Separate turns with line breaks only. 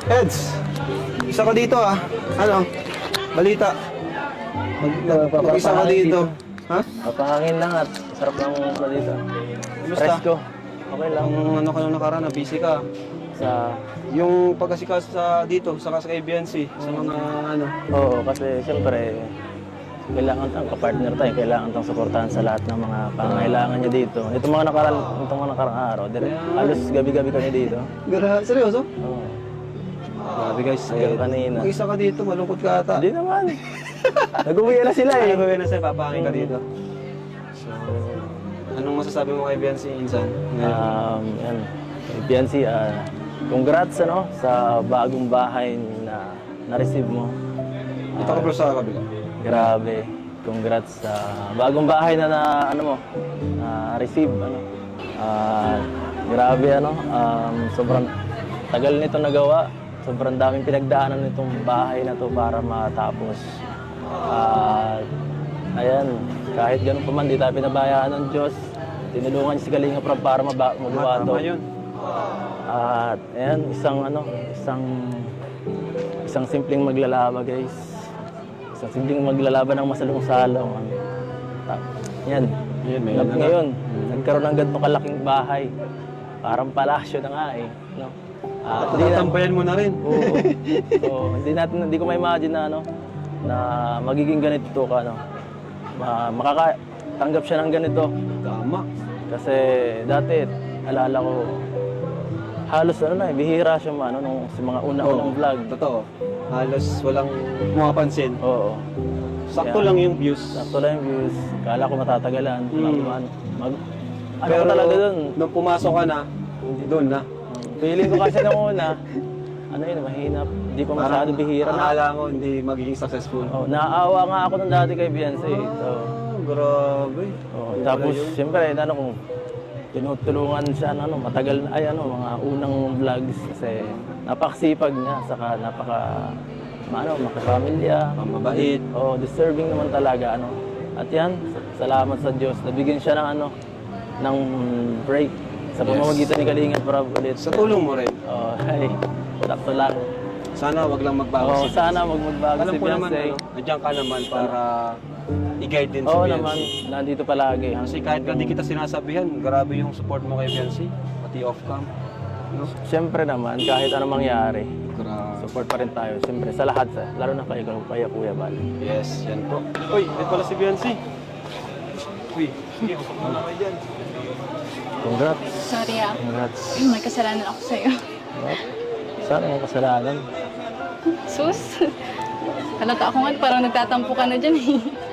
Eds, isa ka dito ah. Ano? Balita. Mag-isa ka dito. Ha?
Papahangin lang at sarap ng ano dito.
Kumusta?
Presko. Okay lang.
Ang ano ka nung nakaraan, busy ka.
Sa...
Yung pagkasikas sa dito, saka sa KBNC, sa mga ano.
Oo, kasi siyempre, kailangan tang kapartner tayo, kailangan tang suportahan sa lahat ng mga pangangailangan niya dito. Itong mga nakarang araw, halos gabi-gabi kami dito.
Seryoso?
Oo.
Grabe guys,
Hanggang kanina.
mag-isa ka dito, malungkot ka ata.
Hindi naman. Nag-uwi na sila eh.
Ay, na sa'yo, papahangin ka dito. So, anong masasabi mo kay BNC Insan?
Yan. PNC, congrats ano, sa bagong bahay na na-receive mo.
Dito ka bro sa kabila.
Grabe. Congrats sa bagong bahay na ano mo, na-receive ano. Grabe ano, sobrang tagal nito nagawa. Sobrang daming pinagdaanan nitong bahay na to para matapos. Ayan, kahit ganun pa man, di tayo pinabayaan ng Diyos. Tinulungan niya si Kalinga Prab para magawa to.
Tama yun.
At ayan, isang simpleng maglalaba guys. Isang simpleng maglalaban ng masalong-salong. Yan,
May ano na.
ngayon, nagkaroon ng ganito kalaking bahay. Parang palasyo na nga eh. No?
Tatambayan mo na rin.
Oo. Oo. Hindi ko ma-imagine na ano, na magiging ganito ka ano. Makakatanggap siya ng ganito.
Tama.
Kasi dati alala ko halos ano na, bihira siya nung sa mga unang vlog.
Totoo. Halos walang pumapansin.
Oo.
Sakto
Kaya,
lang yung views.
Sakto lang yung views. Kala ko matatagalan. Ano
Pero
ko talaga dun?
nung pumasok ka na, doon na.
Feeling ko kasi nung una, ano yun, mahina. Hindi ko masyado bihira na.
Akala mo hindi magiging successful.
Oh, naaawa nga ako nung dati kay Beyonce. So,
Grabe.
tapos, siyempre, kung tinutulungan siya, matagal na, mga unang vlogs kasi napakasipag niya, saka makapamilya.
Mabait.
Deserving naman talaga, At yan, salamat sa Diyos. Nabigyan siya ng, ng break sa pamamagitan ni Kalinga Prab ulit.
Sa tulong mo rin.
Ay, sakto lang.
Sana wag lang magbago si
Sana magbago
Alam
si
ko naman,
Beyonce.
nandiyan ka naman para i-guide din si
Oo
Beyonce.
naman, nandito palagi.
Kasi kahit hindi kita sinasabihan, grabe yung support mo kay Beyonce, pati off-cam. No?
Siyempre naman, kahit anong mangyari,
Grabe.
support pa rin tayo. Siyempre, sa lahat, lalo na kaya Kuya Bal.
Yes, yan po. Uy, ito pala si Beyonce. Uy, sige, usap muna kayo dyan.
Congrats.
Sorry
Congrats.
may kasalanan ako sa'yo.
What? Sana ang kasalanan.
Sus, halata ako nga, parang nagtatampo ka na dyan eh.